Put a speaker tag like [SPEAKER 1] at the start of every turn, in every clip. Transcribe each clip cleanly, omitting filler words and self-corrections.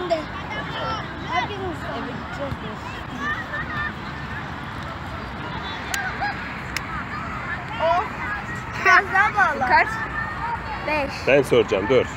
[SPEAKER 1] önde. Herkes olsun.
[SPEAKER 2] Eve gideceğiz de.
[SPEAKER 1] Biraz daha bağla.
[SPEAKER 2] Kaç?
[SPEAKER 1] 5.
[SPEAKER 3] Ben soracağım, dur.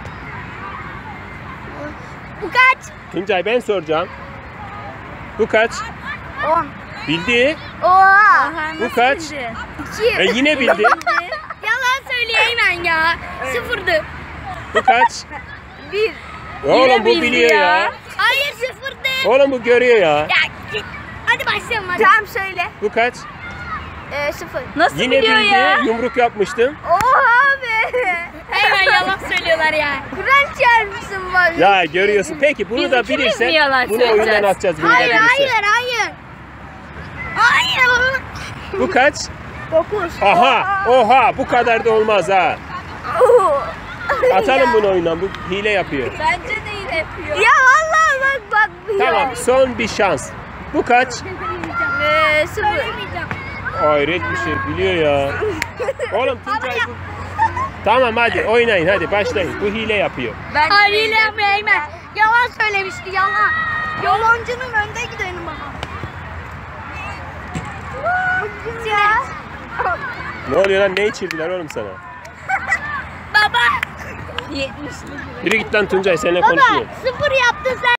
[SPEAKER 1] Bu kaç?
[SPEAKER 3] Tuncay ben soracağım. Bu kaç?
[SPEAKER 1] 10.
[SPEAKER 3] Bildi.
[SPEAKER 1] Oha.
[SPEAKER 3] Bu kaç?
[SPEAKER 1] 2.
[SPEAKER 3] Yine bildi.
[SPEAKER 1] Yalan söyleyeyim ben ya. Sıfırdı.
[SPEAKER 3] Bu kaç?
[SPEAKER 1] 1.
[SPEAKER 3] Oğlum bu
[SPEAKER 2] bildi
[SPEAKER 3] biliyor ya.
[SPEAKER 1] Hayır sıfırdı.
[SPEAKER 3] Oğlum bu görüyor ya.
[SPEAKER 1] Ya git. Hadi başlayalım hadi. Tamam söyle.
[SPEAKER 3] Bu kaç?
[SPEAKER 1] 0.
[SPEAKER 2] Nasıl
[SPEAKER 3] Yine
[SPEAKER 2] biliyor
[SPEAKER 3] bildi.
[SPEAKER 2] ya?
[SPEAKER 3] Yumruk yapmıştım.
[SPEAKER 1] Oha be.
[SPEAKER 2] Hemen yalan söylüyorlar ya.
[SPEAKER 1] Kur'an çarpsın bak.
[SPEAKER 3] Ya görüyorsun. Peki bunu
[SPEAKER 2] Biz
[SPEAKER 3] da
[SPEAKER 2] ikimiz
[SPEAKER 3] bilirsen
[SPEAKER 2] mi yalan
[SPEAKER 3] bunu oyundan
[SPEAKER 2] söyleyeceğiz?
[SPEAKER 3] atacağız. Bunu da
[SPEAKER 1] Hayır
[SPEAKER 3] bilirsen.
[SPEAKER 1] hayır. Hayır.
[SPEAKER 3] Bu kaç?
[SPEAKER 1] 9.
[SPEAKER 3] Oha bu kadar da olmaz ha. Atalım bunu oyundan. Bu hile yapıyor.
[SPEAKER 2] Bence de yine yapıyor.
[SPEAKER 1] Ya vallahi bak.
[SPEAKER 3] Tamam son bir şans. Bu kaç?
[SPEAKER 1] 0.
[SPEAKER 3] Hayret bir şey biliyor ya. Oğlum Tuncay bu. Tamam hadi oynayın hadi başlayın. Bu hile yapıyor.
[SPEAKER 1] Hayır hile yapmayayım ben. Yalan söylemişti yalan. Yalancının önde gidelim baba.
[SPEAKER 3] Ne oluyor lan ne içirdiler oğlum sana?
[SPEAKER 1] Baba.
[SPEAKER 2] 70'lik.
[SPEAKER 3] Yürü git lan Tuncay seninle
[SPEAKER 1] Baba
[SPEAKER 3] konuşmuyor.
[SPEAKER 1] 0 yaptın sen.